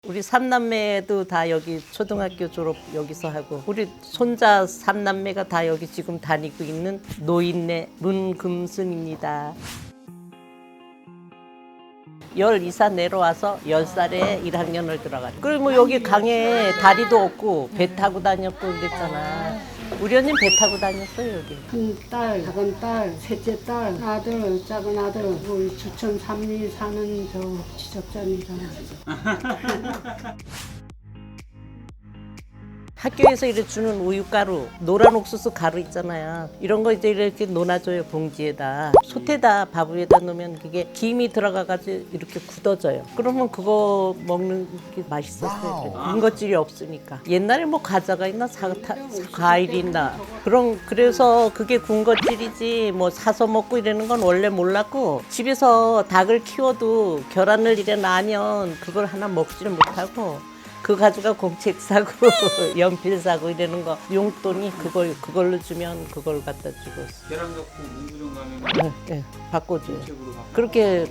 우리 삼남매도 다 여기 초등학교 졸업 여기서 하고 우리 손자 삼남매가 다 여기 지금 다니고 있는 노인네 문금순입니다. 12살 내려와서 10살에 1학년을 들어갔죠. 그리고 뭐 여기 강에 다리도 없고 배 타고 다녔고 그랬잖아. 우리 언니는 배 타고 다녔어요 여기. 큰 딸, 작은 딸, 셋째 딸, 아들, 작은 아들, 우리 주천 삼리 사는 저 지적자입니다. 학교에서 이렇게 주는 우유가루, 노란 옥수수 가루 있잖아요. 이런 거 이제 이렇게 논아줘요, 봉지에다. 솥에다 밥 위에다 놓으면 그게 김이 들어가가지고 이렇게 굳어져요. 그러면 그거 먹는 게 맛있었어요. 군것질이 없으니까. 옛날에 뭐 과자가 있나, 과일이 있나. 그래서 그게 군것질이지 뭐 사서 먹고 이러는 건 원래 몰랐고 집에서 닭을 키워도 결혼을 이래 낳으면 그걸 하나 먹지를 못하고 그 가지고 공책 사고 연필 사고 이러는 거 용돈이 그걸로 주면 그걸 갖다 주고 계란 갖고 문구점 가면 네, 바꿔줘요. 책으로 바꿔. 그렇게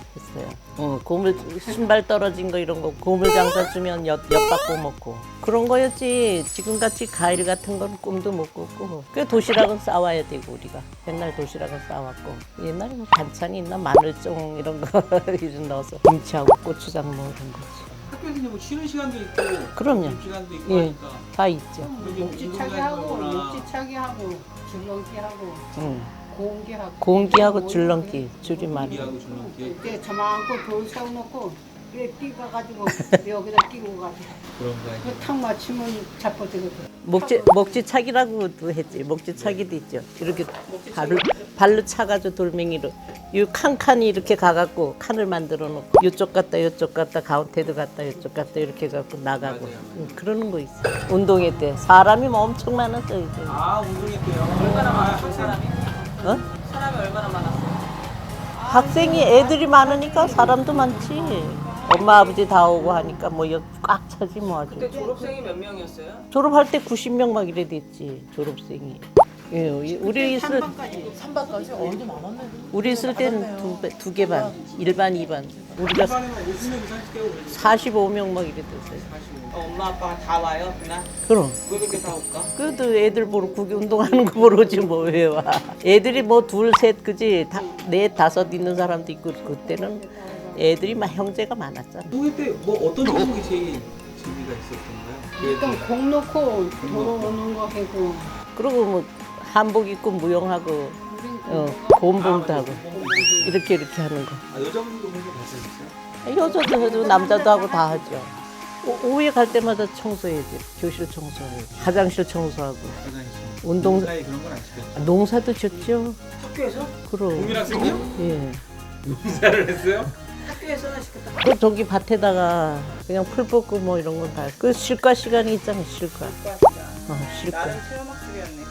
했어요. 고물 신발 떨어진 거 이런 거 고물 장사 주면 엿 받고 먹고 그런 거였지. 지금 같이 과일 같은 건 꿈도 못 꿨고. 그 도시락은 싸와야 되고 우리가 옛날 도시락은 싸왔고 옛날에 뭐 반찬이 있나 마늘종 이런 거 이런 넣어서 김치하고 고추장 뭐 이런 거지. 학교에서 이제 뭐 쉬는 시간도 있고 그럼요. 시간도 있고 예, 하니까 다 있죠. 목지차기 하고, 목지차기 하고, 줄넘기 하고, 공기 하고. 공기하고 줄넘기 줄임말이. 공기하고 줄넘기 이제 저만큼 돌 세워놓고 위에 끼가가지고 여기다 끼고 가지고 그런 거 아니에요? 그탁 맞추면 잡아지거든. 목지차기라고도 했지. 목지차기도 있죠. 이렇게 발로 차가지고 돌멩이로 이 칸칸이 이렇게 가갖고 칸을 만들어 놓고 이쪽 갔다 이쪽 갔다 가운데도 갔다 이쪽 갔다 이렇게 갖고 나가고 맞아요. 그러는 거 있어. 운동회 때 사람이 뭐 엄청 많았어요. 이제. 아 운동했대요. 얼마나 많았어요 사람이? 어? 사람이 얼마나 많았어요? 학생이 애들이 많으니까 사람도 많지. 엄마 아버지 다 오고 하니까 뭐 꽉 차지 뭐 아주. 그때 졸업생이 몇 명이었어요? 졸업할 때 90명 막 이래 됐지 졸업생이. 예, 우리 있을 3반까지? 어디 많았네. 우리 있을 때는 두 개 반, 1반, 2반. 우리가 반에는 50명 이상 깨고 45명 막 이래 됐어요. 엄마 아빠가 다 와요 그날? 그럼. 왜 그렇게 다 올까? 그래도 애들 보러 운동하는 거 보러 오지 뭐 왜 와. 애들이 뭐 둘, 셋 그지 넷, 다섯 있는 사람도 있고 그때는 애들이 막 형제가 많았잖아. 운동회 때 뭐 어떤 종목이 제일 재미가 있었던가요? 일단 공 놓고 돌아오는 거 하고 그리고 뭐 한복 입고 무용하고 곰봉도 하고 이렇게 하는 거. 아 여자분도 그런 거 봤었어요? 여자도 해도 남자도 하고 다 하죠. 오후에 갈 때마다 청소해야지. 교실 청소하고 화장실 청소하고 화장실. 운동 사이 그런 건 안 시켰죠? 농사도 짓죠. 학교에서? 그럼. 국민학생이요? 예. 농사를 했어요? 학교에서는 시켰다. 그 저기 밭에다가 그냥 풀 뽑고 뭐 이런 건 다. 그 실과 시간이 있잖아. 실과. 실과. 나름 체험학습이었네.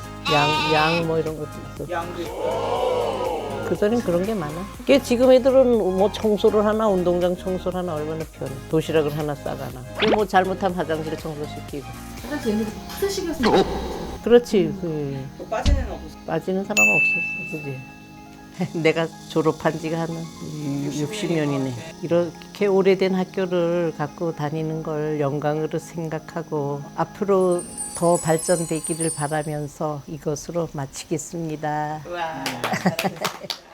양 뭐 이런 것도 있어. 양도 있고. 그전엔 그런 게 많아. 그게 지금 애들은 뭐 청소를 하나 운동장 청소를 하나 얼마나 편해. 도시락을 하나 싸가나. 그게 뭐 잘못하면 화장실 청소시키고. 화장실 옛날에 푸드식이었어. 그렇지. 또 빠지는 없었어. 빠지는 사람 없었어. 그지? 내가 졸업한 지가 한 60년이네. 이렇게 오래된 학교를 갖고 다니는 걸 영광으로 생각하고 앞으로 더 발전되기를 바라면서 이것으로 마치겠습니다. 와. 잘하셨어요.